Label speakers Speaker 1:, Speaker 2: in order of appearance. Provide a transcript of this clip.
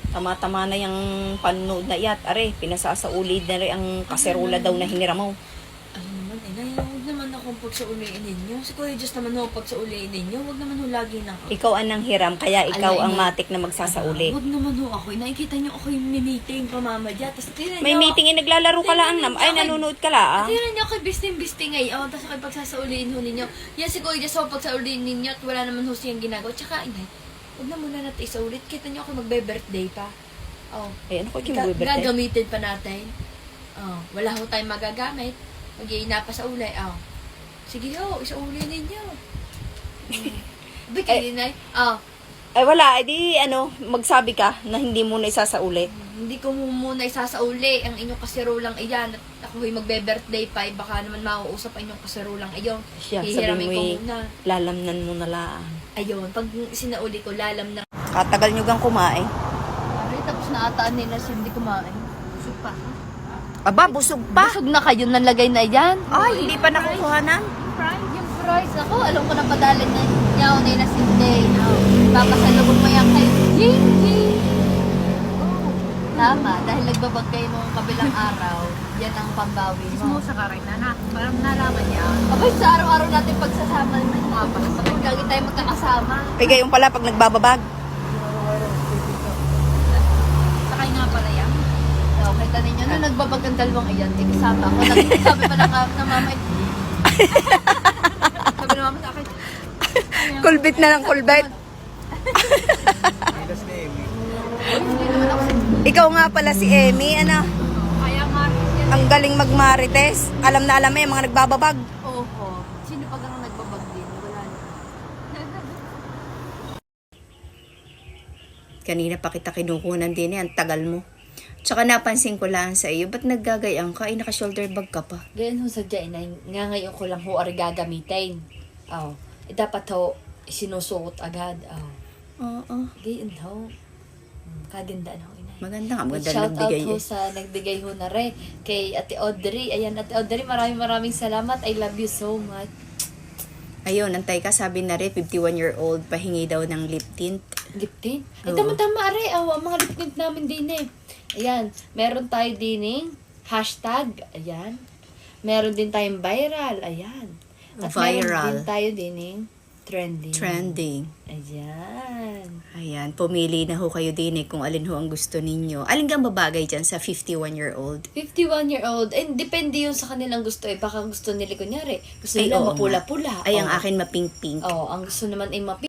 Speaker 1: Tama-tama na yung panood na iyat. Are, pinasasaulid na rin ang kaserola daw na hinira mo.
Speaker 2: Ano naman, inay, huwag naman akong pagsauliin ninyo. Si Kuya Diyos naman ho pagsauliin ninyo. Huwag naman ho lagi na ako.
Speaker 1: Ikaw ang hiram, kaya ikaw
Speaker 2: Alay,
Speaker 1: ang
Speaker 2: inay.
Speaker 1: matik na magsasauli.
Speaker 2: Huwag naman ho ako. Nakikita niyo ako yung meeting pamamadya. Tapos tinan
Speaker 1: May
Speaker 2: niyo,
Speaker 1: meeting naglalaro ka lang. Ay, nanonood ka lang.
Speaker 2: tinan niyo ako bisting-bisting ngayon. Tapos ako pagsasauliin ho ninyo. Yan si Kuya Diyos ho pagsauliin ninyo at wala naman ho siyang ginagawa. Tsaka inay, huwag na muna natin isaulit. Kita niyo ako magbe-birthday pa. Oh.
Speaker 1: Ay, ano ko yung birthday?
Speaker 2: Gagamitin pa natin. Oh, wala ho tayong magagamit. Mag-iina pa sa ulay. Oh. Sige ho, isauli ninyo. Bigay inay. Oh.
Speaker 1: Ay, wala. Edi, magsabi ka na hindi mo na isasauli.
Speaker 2: Hindi ko muna isasauli ang inyong kasirulang iyan at ako ay magbe-birthday pa, baka naman mauusap ang inyong kasirulang iyon.
Speaker 1: Siya,
Speaker 2: Hihiramin
Speaker 1: sabi mo
Speaker 2: ko
Speaker 1: eh,
Speaker 2: muna.
Speaker 1: lalamnan mo na lang.
Speaker 2: Ayun, pag sinauli ko, lalam na.
Speaker 1: Katagal nyo gang kumain.
Speaker 2: Pare, tapos naataan nila siya hindi kumain. Busog pa.
Speaker 1: Aba, busog pa.
Speaker 2: Busog na kayo nalagay na yan.
Speaker 1: Ay, hindi pa nakukuhanan.
Speaker 2: Yung fries. Ako, alam ko na padalan na niya na yung nasinde. Papasalubog mo yan kayo. Ying, ying. Tama, dahil nagbabag kayo nung kabilang araw, yan ang pambawi mo.
Speaker 3: Mo sa karay na parang nalaman niya.
Speaker 2: Abay, sa araw-araw natin pagsasama naman mga pasapag. Lagi tayo magkakasama.
Speaker 1: Kaya yung pala pag nagbababag.
Speaker 3: Sakay nga pala yan.
Speaker 2: So, kita ninyo, nung nagbabag ang dalawang iyan, kasama ako. Sabi pa lang na mama, sabi na mama sa akin,
Speaker 1: Kulbit na lang kulbit.
Speaker 2: hindi naman ako sa
Speaker 1: Ikaw nga pala si Emmy,
Speaker 3: Kaya nga yan.
Speaker 1: ang galing magmarites. Alam na alam mo yung mga nagbababag.
Speaker 2: oho. Sino pag ang nagbabag din? Wala na.
Speaker 1: Kanina pa kita kinukunan din ang tagal mo. Tsaka napansin ko lang sa iyo, ba't naggagayang ka? Ay, naka-shoulder bag ka pa.
Speaker 2: Ganyan ho sa dyan, nga ngayon ko lang ho ari gagamitin. Oh. Dapat ho, sinusuot agad. Oh.
Speaker 1: Oo.
Speaker 2: Ganyan ho. Kagandaan ho, inay.
Speaker 1: Maganda nga, maganda
Speaker 2: Shout out
Speaker 1: nagbigay
Speaker 2: ho
Speaker 1: eh.
Speaker 2: sa nagbigay ho na rin kay Ate Audrey. Ayan, Ate Audrey, maraming salamat. I love you so much.
Speaker 1: Ayun, antay ka, sabi na rin, 51-year-old, pahingi daw ng lip tint.
Speaker 2: Lip tint? Ay,
Speaker 1: Oo.
Speaker 2: tama-tama, are. Ang mga lip tint namin din eh. Ayan, meron tayo din hashtag. Ayan. Meron din tayong viral. Ayan. At
Speaker 1: Viral.
Speaker 2: meron din tayo din trending.
Speaker 1: Trending.
Speaker 2: Ayan.
Speaker 1: Ayan, pumili na ho kayo din kung alin ho ang gusto ninyo. Alin kang babagay dyan sa 51-year-old?
Speaker 2: 51-year-old. And depende yun sa kanilang gusto eh. Baka gusto nila, kunyari, gusto
Speaker 1: Ay,
Speaker 2: nila
Speaker 1: oo nga.
Speaker 2: mapula-pula.
Speaker 1: Ay, ang
Speaker 2: Oh.
Speaker 1: akin mapink-pink.
Speaker 2: Oh, ang gusto naman ay